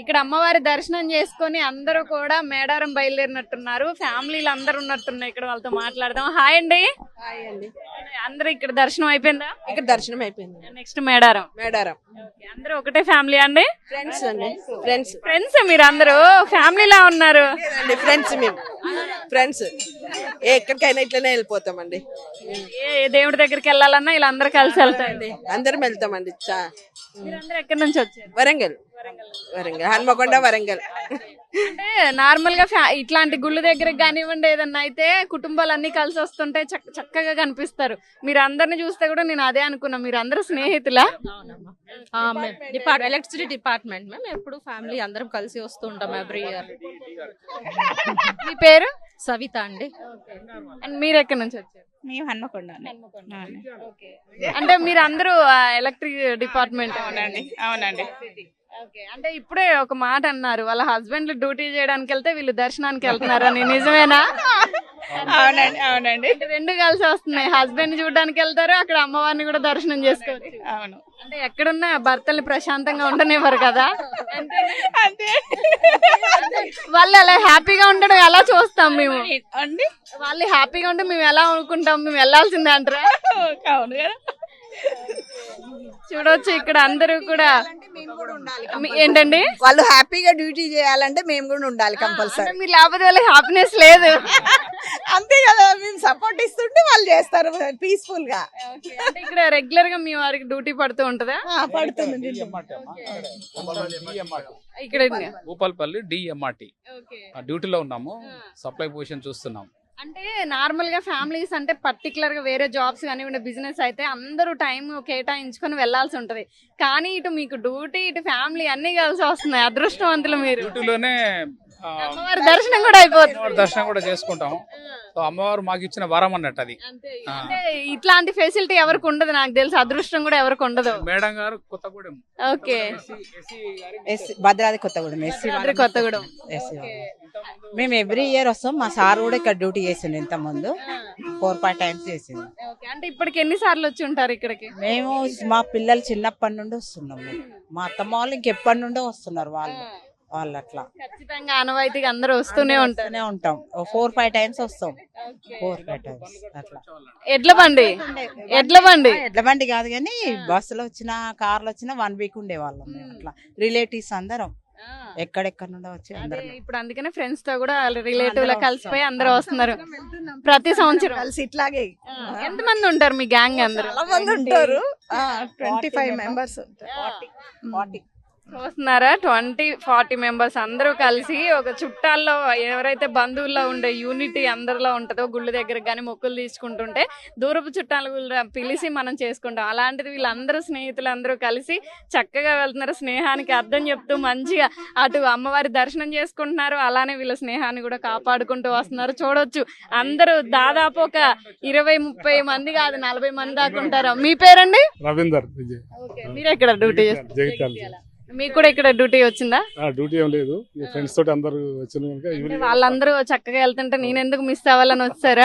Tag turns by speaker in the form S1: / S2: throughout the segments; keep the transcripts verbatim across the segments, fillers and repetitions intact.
S1: ఇక్కడ అమ్మవారి దర్శనం చేసుకొని అందరూ కూడా మేడారం బయలుదేరినట్టున్నారు. ఫ్యామిలీలు అందరూ ఉన్నట్టున్నారు. ఇక్కడ వాళ్ళతో మాట్లాడదాం. హాయ్ అండి.
S2: హాయ్ అండి.
S1: అందరూ ఇక్కడ దర్శనం అయిపోయిందా?
S2: ఇక్కడ దర్శనం అయిపోయింది.
S1: నెక్స్ట్ మేడారం.
S2: మేడారం.
S1: అందరూ ఒకటే ఫ్యామిలీ అండి?
S2: ఫ్రెండ్స్ అండి. ఫ్రెండ్స్
S1: ఫ్రెండ్స్ మీరు అందరూ ఫ్యామిలీలా ఉన్నారు.
S2: ఫ్రెండ్స్ మేము ఫ్రెండ్స్ ఎక్కడికైనా ఇట్లనే వెళ్ళిపోతామండి.
S1: ఏ దేవుడి దగ్గరికి వెళ్ళాలన్నా ఇలా అందరూ కలిసి వెళ్తాయండి.
S2: అందరం వెళ్తామండి.
S1: మీరందరూ ఎక్కడి నుంచి వచ్చారు?
S2: వరంగల్. వరంగల్ హన్మకొండ వరంగల్.
S1: అంటే నార్మల్ గా ఇట్లాంటి గుళ్ళు దగ్గరకు కానివ్వండి ఏదన్నా అయితే కుటుంబాలు అన్ని కలిసి వస్తుంటే చక్కగా కనిపిస్తారు. మీరు అందరిని చూస్తే కూడా నేను అదే అనుకున్నా. మీరు అందరూ స్నేహితులా?
S3: డిపార్ట్ ఎలక్ట్రిసిటీ డిపార్ట్మెంట్ మేము ఎప్పుడు ఫ్యామిలీ అందరం కలిసి వస్తూ ఉంటాం ఎవ్రీ ఇయర్.
S1: మీ పేరు?
S3: సవిత అండి.
S1: అండ్ మీరు ఎక్కడి నుంచి వచ్చారు?
S4: మేము హన్మకొండ.
S1: అంటే మీరు అందరూ ఎలక్ట్రిక్ డిపార్ట్మెంట్?
S4: అవునండి. అవునండి.
S1: అంటే ఇప్పుడే ఒక మాట అన్నారు, వాళ్ళ హస్బెండ్ డ్యూటీ చేయడానికి వెళ్తే వీళ్ళు దర్శనానికి వెళ్తున్నారని. నిజమేనా?
S4: అవునండి. అవునండి.
S1: రెండు కలిసి వస్తున్నాయి. హస్బెండ్ చూడడానికి వెళ్తారు, అక్కడ అమ్మవారిని కూడా దర్శనం చేసుకోవచ్చు.
S4: అవును.
S1: అంటే ఎక్కడున్నా భర్తలు ప్రశాంతంగా ఉండనివ్వరు కదా.
S4: అంతే.
S1: వాళ్ళు అలా హ్యాపీగా ఉండడం ఎలా చూస్తాం మేము
S4: అండి.
S1: వాళ్ళు హ్యాపీగా ఉంటే మేము ఎలా అనుకుంటాం? మేము వెళ్ళాల్సిందే అంటారా?
S4: అవును కదా.
S1: చూడవచ్చు ఇక్కడ అందరూ కూడా. ఏంటండి?
S2: వాళ్ళు హ్యాపీగా డ్యూటీ చేయాలంటే మేము కూడా ఉండాలి కంపల్సరీ.
S1: మీరు లేకపోతే వాళ్ళకి హ్యాపీనెస్ లేదు.
S2: అంతే కదా, మేము సపోర్ట్ ఇస్తుంటే వాళ్ళు చేస్తారు పీస్ఫుల్ గా.
S1: అంటే ఇక్కడ రెగ్యులర్ గా మీ వారికి డ్యూటీ పడుతూ ఉంటదా?
S2: పడుతుంది.
S1: ఇక్కడ
S5: భూపాలపల్లి డిఎంఆర్టీ డ్యూటీలో ఉన్నాము. సప్లై పొజిషన్ చూస్తున్నాం.
S1: అంటే నార్మల్ గా ఫ్యామిలీస్ అంటే పర్టికులర్ గా వేరే జాబ్స్ కానివ్వండి బిజినెస్ అయితే అందరూ టైం కేటాయించుకొని వెళ్లాల్సి ఉంటది. కానీ ఇటు మీకు డ్యూటీ ఇటు ఫ్యామిలీ అన్ని కలిసి వస్తున్నాయి. అదృష్టవంతులు మీరు.
S5: డ్యూటీలోనే
S1: అమ్మవారి దర్శనం కూడా అయిపోతుంది.
S5: దర్శనం కూడా చేసుకుంటాం. సో అమ్మవారు మాకు ఇచ్చిన వరం అన్నట్టు అది.
S1: అంటే ఇట్లాంటి ఫెసిలిటీ ఎవరికి ఉండదు నాకు తెలుసు. అదృష్టం కూడా ఎవరికి ఉండదు.
S5: మేడం గారు కొత్తగూడెం.
S1: ఓకే.
S6: భద్రాద్రి కొత్తగూడెం. ఎస్సీ
S1: కొత్తగూడెం.
S6: మేము ఎవ్రీ ఇయర్ వస్తాం. మా సార్ కూడా ఇక్కడ డ్యూటీ చేసిండు. ఇంత ముందు ఫోర్ ఫైవ్ టైమ్స్ చేసింది.
S1: అంటే ఇప్పటికి ఎన్ని సార్లు వచ్చి ఉంటారు ఇక్కడికి?
S6: మేము మా పిల్లలు చిన్నప్పటి నుండి వస్తున్నాం. మా అత్తమ్మ వాళ్ళు ఇంకెప్పటి నుండో వస్తున్నారు. వాళ్ళు వాళ్ళు అట్లా
S1: ఖచ్చితంగా ఆనవాయితీగా అందరూ వస్తూనే ఉంటానే
S6: ఉంటాం. ఫోర్ ఫైవ్ టైమ్స్ వస్తాం. ఫోర్ ఫైవ్ టైమ్స్ అట్లా.
S1: ఎడ్ల బండి ఎడ్ల బండి
S6: ఎడ్ల బండి కాదు కానీ బస్సులో వచ్చిన కార్లో వచ్చిన వన్ వీక్ ఉండేవాళ్ళం. అట్లా రిలేటివ్స్ అందరం ఎక్కడెక్కడ నుండో వచ్చి అందరం.
S1: ఇప్పుడు అందుకనే ఫ్రెండ్స్ తో కూడా రిలేటివ్ లా కలిసిపోయి అందరూ వస్తున్నారు ప్రతి సంవత్సరం
S2: కలిసి. ఇట్లాగే
S1: ఎంత మంది ఉంటారు మీ గ్యాంగ్? అందరూ
S2: చాలా మంది ఉంటారు. ట్వంటీ ఫైవ్ మెంబర్స్
S6: ఫార్టీ
S1: చూస్తున్నారా? ట్వంటీ ఫార్టీ మెంబర్స్ అందరూ కలిసి ఒక చుట్టాల్లో ఎవరైతే బంధువుల్లో ఉండే యూనిటీ అందరిలో ఉంటుందో గుళ్ళు దగ్గర కానీ మొక్కులు తీసుకుంటుంటే దూరపు చుట్టాలు పిలిచి మనం చేసుకుంటాం. అలాంటిది వీళ్ళందరూ స్నేహితులు అందరూ కలిసి చక్కగా వెళ్తున్నారు. స్నేహానికి అర్థం చెప్తూ మంచిగా అటు అమ్మవారి దర్శనం చేసుకుంటున్నారు, అలానే వీళ్ళ స్నేహాన్ని కూడా కాపాడుకుంటూ వస్తున్నారు. చూడొచ్చు అందరూ దాదాపు ఒక ఇరవై ముప్పై మంది కాదు నలభై మంది దాకా ఉంటారు. మీ పేరండి?
S7: రవీందర్ విజయ్.
S1: మీరు ఎక్కడ డ్యూటీ చేస్తారు? మీకు కూడా ఇక్కడ డ్యూటీ వచ్చిందా?
S7: డ్యూటీ ఏం లేదు, ఫ్రెండ్స్ తోటి అందరూ వచ్చిన
S1: వాళ్ళందరూ చక్కగా వెళ్తుంటే నేను ఎందుకు మిస్ అవ్వాలని వచ్చారా?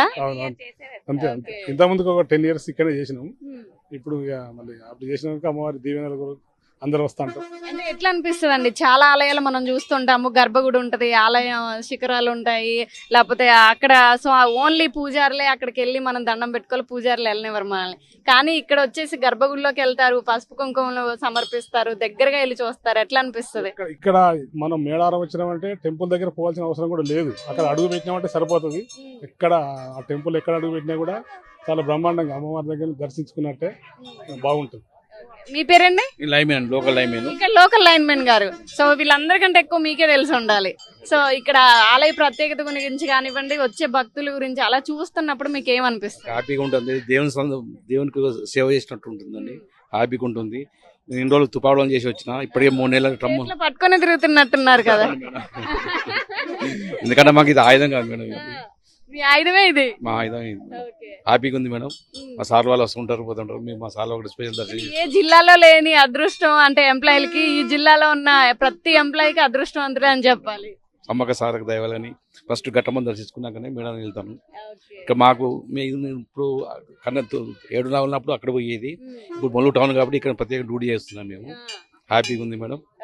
S7: అంతే అంతే. ఇంత ముందుకు ఒక టెన్ ఇయర్స్ ఇక్కడే చేసినాం. ఇప్పుడు మళ్ళీ అప్పుడు చేసినాక అమ్మవారి దీవెనలు అందరూ వస్తా ఉంటారు.
S1: అంటే ఎట్లా అనిపిస్తుంది అండి? చాలా ఆలయాలు మనం చూస్తుంటాము, గర్భగుడి ఉంటది, ఆలయం శిఖరాలు ఉంటాయి, లేకపోతే అక్కడ సో ఓన్లీ పూజారులే అక్కడికి వెళ్ళి మనం దండం పెట్టుకోవాలి, పూజారులు వెళ్ళనివ్వరు మనల్ని. కానీ ఇక్కడ వచ్చేసి గర్భగుడిలోకి వెళ్తారు, పసుపు కుంకుమలు సమర్పిస్తారు, దగ్గరగా వెళ్ళి చూస్తారు. ఎట్లా అనిపిస్తుంది?
S7: ఇక్కడ మనం మేడారం వచ్చినామంటే టెంపుల్ దగ్గర పోవాల్సిన అవసరం కూడా లేదు. అక్కడ అడుగు పెట్టినామంటే సరిపోతుంది. ఎక్కడ ఆ టెంపుల్ ఎక్కడ అడుగు పెట్టినా కూడా చాలా బ్రహ్మాండంగా అమ్మవారి దగ్గర దర్శించుకున్నట్టే బాగుంటుంది.
S1: మీ పేరండి?
S5: Linemen, local linemen.
S1: ఇక్కడ లోకల్ లైన్మెన్ గారు. సో వీళ్ళందరికంటే ఎక్కువ మీకే తెలిసి ఉండాలి. సో ఇక్కడ ఆలయ ప్రత్యేకత గురించి కానివ్వండి, వచ్చే భక్తుల గురించి అలా చూస్తున్నప్పుడు మీకు ఏమనిపిస్తుంది?
S8: హ్యాపీగా ఉంటుంది. దేవుని దేవునికి సేవ చేసినట్టు ఉంటుందండి. హ్యాపీగా ఉంటుంది. నేను ఇన్ని రోజులు తుపావడం చేసి వచ్చిన, ఇప్పటికే మూడు నెలలు ట్రమ్
S1: పట్టుకొని తిరుగుతున్నట్టున్నారు కదా.
S8: ఎందుకంటే మాకు ఇది ఆయుధం కాదు మేడం,
S1: మీ ఆయుధమే ఇది.
S8: మా ఆయుధం ఇది. హ్యాపీగా ఉంది మేడం. మా సార్ వాళ్ళు వస్తుంటారు పోతుంటారు. మేము మా సార్ ఒకటి స్పెషల్ దర్శనం.
S1: ఏ జిల్లాలో లేని అదృష్టం అంటే ఎంప్లాయీలకి ఈ జిల్లాలో ఉన్న ప్రతి ఎంప్లాయీకి అదృష్టవంతుడే అని చెప్పాలి.
S8: అమ్మక సార్కి దయవాలని ఫస్ట్ ఘట్టమని దర్శించుకున్నాకనే మేడం వెళ్తాను. ఇక మాకు ఇప్పుడు కన్నా ఏడున్నర ఉన్నప్పుడు అక్కడ పోయేది, ఇప్పుడు మొల్లు టౌన్ కాబట్టి ఇక్కడ ప్రత్యేక డ్యూటీ చేస్తున్నాం మేము. హ్యాపీగా ఉంది మేడం.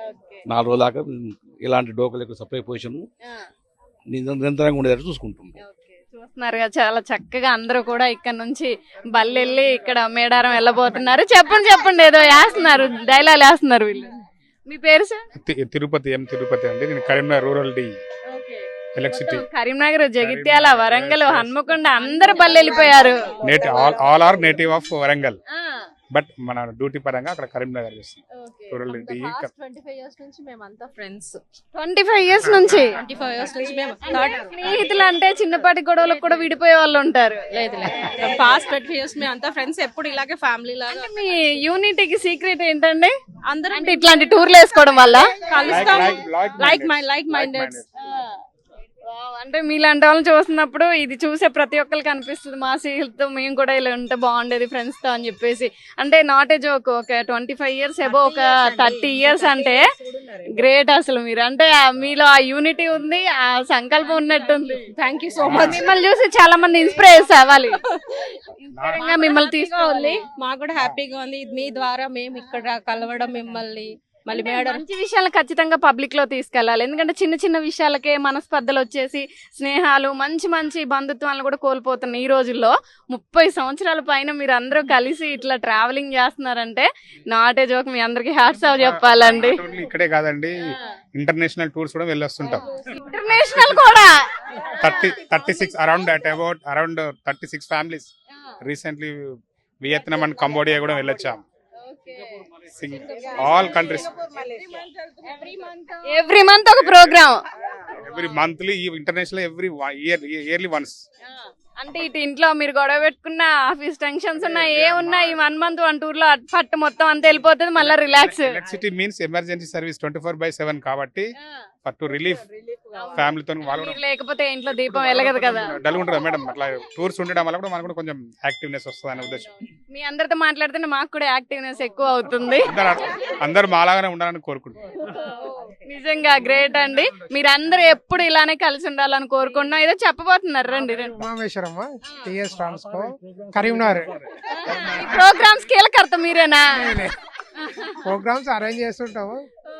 S8: నాలుగు రోజుల దాకా ఇలాంటి డోకలకు సప్లై పొజిషన్ నిరంతరంగా ఉండేటట్టు చూసుకుంటాం.
S1: చూస్తున్నారు కదా చాలా చక్కగా అందరూ కూడా ఇక్కడ నుంచి బల్లెళ్ళి ఇక్కడ మేడారం వెళ్ళబోతున్నారు. చెప్పండి చెప్పండి ఏదో వేస్తున్నారు, డైలాగ్ వేస్తున్నారు వీళ్ళు. మీ పేరు సార్?
S7: తి- తిరుపతి ఎం తిరుపతి అండి. నేను Karimnagar rural D electricity
S1: Karimnagar, Jagtial, Warangal, Hanamkonda అందరు బల్లెళ్ళిపోయారు.
S7: Native all all are native of Warangal, but మన డ్యూటీ పరంగా అక్కడ కరీంనగర్ చేస్తాం. Rural D
S3: twenty five years నుంచి మేమంతా ఫ్రెండ్స్.
S1: ట్వంటీ ఫైవ్ ఇయర్స్ నుంచి
S3: ట్వంటీ ఫైవ్ ఇయర్స్ నుంచి మేము
S1: స్నేహితులు అంటే చిన్నపాటి గొడవలకు కూడా విడిపోయే వాళ్ళు ఉంటారు.
S3: లేదు లేదు పాస్ట్ ట్వంటీ ఫైవ్ ఇయర్స్ మేము అంతా ఫ్రెండ్స్, ఎప్పుడు ఇలాగే ఫ్యామిలీ లాగా.
S1: మీ యూనిటీకి సీక్రెట్ ఏంటండి?
S3: అందరం
S1: అంటే ఇట్లాంటి టూర్లు వేసుకోవడం వల్ల
S3: కలుస్తాం.
S7: like-
S3: like my like minded.
S1: Wow, అంటే మీలాంటి వాళ్ళని చూస్తున్నప్పుడు ఇది చూసే ప్రతి ఒక్కరికి అనిపిస్తుంది మా స్నేహితులతో మేము కూడా ఇలా ఉంటే బాగుండేది ఫ్రెండ్స్ తో అని చెప్పేసి. అంటే నాట్ ఏ జోక్, ఒక ట్వంటీ ఫైవ్ ఇయర్స్ ఎబో ఒక థర్టీ ఇయర్స్ అంటే గ్రేట్ అసలు మీరు. అంటే ఆ మీలో ఆ యూనిటీ ఉంది, ఆ సంకల్పం ఉన్నట్టుంది.
S3: Thank you so much.
S1: మిమ్మల్ని చూసి చాలా మంది ఇన్స్పైర్ అవ్వాలి. Inspiring గా మిమ్మల్ని తీసుకోవాలి.
S3: మాకు కూడా హ్యాపీగా ఉంది మీ ద్వారా మేము ఇక్కడ కలవడం, మిమ్మల్ని మళ్ళీ మేడం.
S1: మంచి విషయాలను ఖచ్చితంగా పబ్లిక్ లో తీసుకెళ్ళాలి. ఎందుకంటే చిన్న చిన్న విషయాలకే మనస్పర్ధలు వచ్చేసి స్నేహాలు, మంచి మంచి బంధుత్వాలను కూడా కోల్పోతున్నాయి ఈ రోజుల్లో. ముప్పై సంవత్సరాల పైన మీరు అందరూ కలిసి ఇట్లా ట్రావెలింగ్ చేస్తున్నారంటే నాట్ ఏ జోక్. మీ అందరికి హ్యాట్స్ ఆఫ్ చెప్పాలండి.
S7: ఇక్కడే కాదండి, ఇంటర్నేషనల్ టూర్స్ కూడా వెళ్ళొస్తుంటాం.
S1: ఇంటర్నేషనల్ కూడా
S7: thirty thirty six around at about around thirty six families recently Vietnam and Cambodia కూడా వెళ్ళొచ్చాం. ఆల్ కంట్రీస్
S1: ఎవ్రీ మంత్ ఒక programme,
S7: every monthly international every year yearly once.
S1: అంటే ఇటు ఇంట్లో మీరు గొడవ పెట్టుకున్న, ఆఫీస్ టెన్షన్స్ ఉన్నా, ఏ ఉన్నా ఈ వన్ మంత్ వన్ టూర్ లో పట్టు మొత్తం అంతా వెళ్ళిపోతుంది, మళ్ళీ relax.
S7: Electricity means emergency service twenty four by seven కాబట్టి ఫర్ టు రిలీఫ్ ఫ్యామిలీతో వాళ్ళు కూడా
S1: లేకపోతే ఇంట్లో దీపం వెలగదు కదా.
S7: డల్ ఉంటుంది మేడం. అట్లా టూర్స్ ఉండడం వల్ల కూడా మనకు కూడా కొంచెం యాక్టివ్నెస్ వస్తుంది అనే ఉద్దేశం.
S1: మీ అందరితో మాట్లాడితే మాకు కూడా యాక్టివ్నెస్ ఎక్కువ అవుతుంది.
S7: అందరూ అందరు మాలాగానే ఉండాలని కోరుకుంటున్నాం.
S1: నిజంగా గ్రేట్ అండి. మీరందరూ ఎప్పుడు ఇలానే కలిసి ఉండాలని కోరుకుంటున్నాం. ఏదో చెప్పబోతున్నారు, రండి రండి.
S9: ఉమామేశ్వరమ్మ టిఎస్ ట్రాన్స్కో కరీంనగర్.
S1: ఈ ప్రోగ్రామ్స్ కీలకర్త మీరేనా?
S9: ప్రోగ్రామ్స్ అరేంజ్ చేస్తుంటాము.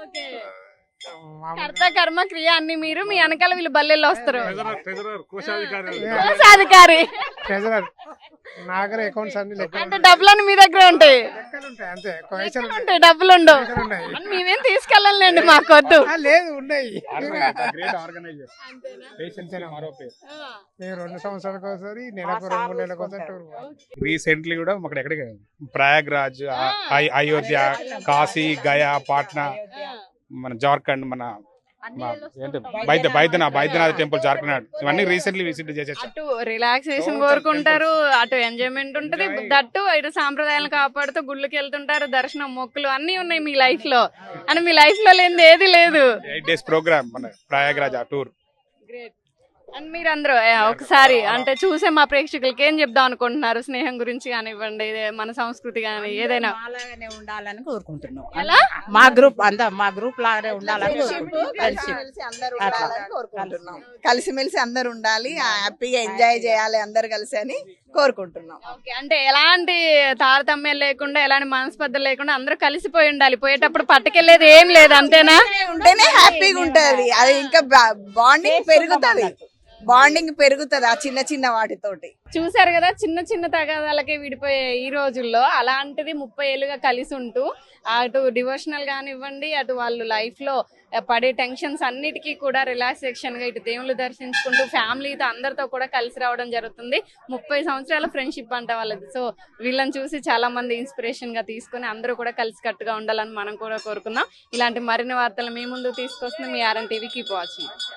S1: కర్త కర్మ క్రియ అన్ని మీరు, మీ వెనకాల వీళ్ళు బల్లెల్లో వస్తారు.
S7: కోశాధికారి.
S9: ట్రెజరర్ నాగర అకౌంట్స్ అన్ని లెక్కలు
S1: అంటే డబ్బులన్నీ మీ దగ్గర ఉంటాయి.
S9: లెక్కలు ఉంటాయి అంతే.
S1: లెక్కలు ఉంటాయి, డబ్బులు ఉండవు.
S9: ఉన్నాయి.
S1: అని మేమేం తీసుకెళ్ళండి, మాకొద్దు.
S9: ఆ, లేదు ఉన్నాయి.
S7: Great organiser. పేషెన్స్ అనే మరో పేరు.
S9: మేము రెండు సంవత్సరాలకు ఒకసారి, నెలకు రెండు మూడు నెలలకు ఒకసారి టూర్ పోతాం.
S7: రీసెంట్లీ కూడా మాకు ఎక్కడికి ప్రయాగ్రాజ్, అయ్- అయోధ్య, కాశీ, గయా, పాట్నా, మన జార్ఖండ్, మన మన ఏంటి బైద్య బైద్యనాథ్ బైద్యనాథ్ టెంపుల్ జార్ఖండ్, ఇవన్నీ రీసెంట్లీ విజిట్ చేసేసాం.
S1: అటు రిలాక్సేషన్ కోరుకుంటారు, అటు ఎంజాయ్మెంట్ ఉంటది, దట్టు ఇటు సాంప్రదాయాలను కాపాడుతూ గుళ్ళకి వెళ్తుంటారు, దర్శనం, మొక్కులు అన్ని ఉన్నాయి మీ లైఫ్ లో. అని మీ లైఫ్ లో లేనిది ఏది లేదు.
S7: ఎయిట్ డేస్ ప్రోగ్రామ్ మన ప్రయాగ్రాజ్ ఆ టూర్.
S1: గ్రేట్. అండ్ మీరందరూ ఏ, ఒకసారి అంటే చూసే మా ప్రేక్షకులకి ఏం చెప్దాం అనుకుంటున్నారు? స్నేహం గురించి కానివ్వండి, ఇదే మన సంస్కృతి కానీ ఏదైనా.
S6: అలాగనే ఉండాలని కోరుకుంటున్నాం.
S1: ఎలా?
S6: మా గ్రూప్ అంతా మా గ్రూప్ లాగానే ఉండాలని కోరుకుంటున్నాం. Friendship.
S2: కలిసిమెలిసి అందరూ ఉండాలని కోరుకుంటున్నాం. కలిసిమెలిసి అందరు ఉండాలి, హ్యాపీగా ఎంజాయ్ చేయాలి అందరు కలిసి అని కోరుకుంటున్నాం.
S1: ఓకే, అంటే ఎలాంటి తారతమ్యం లేకుండా, ఎలాంటి మనస్పర్ధలు లేకుండా అందరూ కలిసిపోయి ఉండాలి. పోయేటప్పుడు పట్టుకెళ్ళేది ఏం లేదు, అంతేనా?
S2: ఉంటేనే హ్యాపీగా ఉంటది. అది ఇంకా బాండింగ్ పెరుగుతుంది, బాండింగ్ పెరుగుతుంది ఆ చిన్న చిన్న వాటితోటి.
S1: చూసారు కదా, చిన్న చిన్న తగాదాలకే విడిపోయే ఈ రోజుల్లో అలాంటిది ముప్పై ఏళ్ళుగా కలిసి ఉంటూ అటు డివోషనల్ కానివ్వండి, అటు వాళ్ళు లైఫ్ లో పడే టెన్షన్స్ అన్నిటికీ కూడా రిలాక్సేషన్ గా ఇటు దేవుళ్ళు దర్శించుకుంటూ ఫ్యామిలీతో అందరితో కూడా కలిసి రావడం జరుగుతుంది. ముప్పై సంవత్సరాల ఫ్రెండ్షిప్ అంట వాళ్ళది. సో వీళ్ళని చూసి చాలా మంది ఇన్స్పిరేషన్ గా తీసుకుని అందరూ కూడా కలిసి కట్టుగా ఉండాలని మనం కూడా కోరుకుందాం. ఇలాంటి మరిన్ని వార్తలు మీ ముందు తీసుకొస్తుంది మీ ఆర్ఎన్ టీవీ. Keep watching.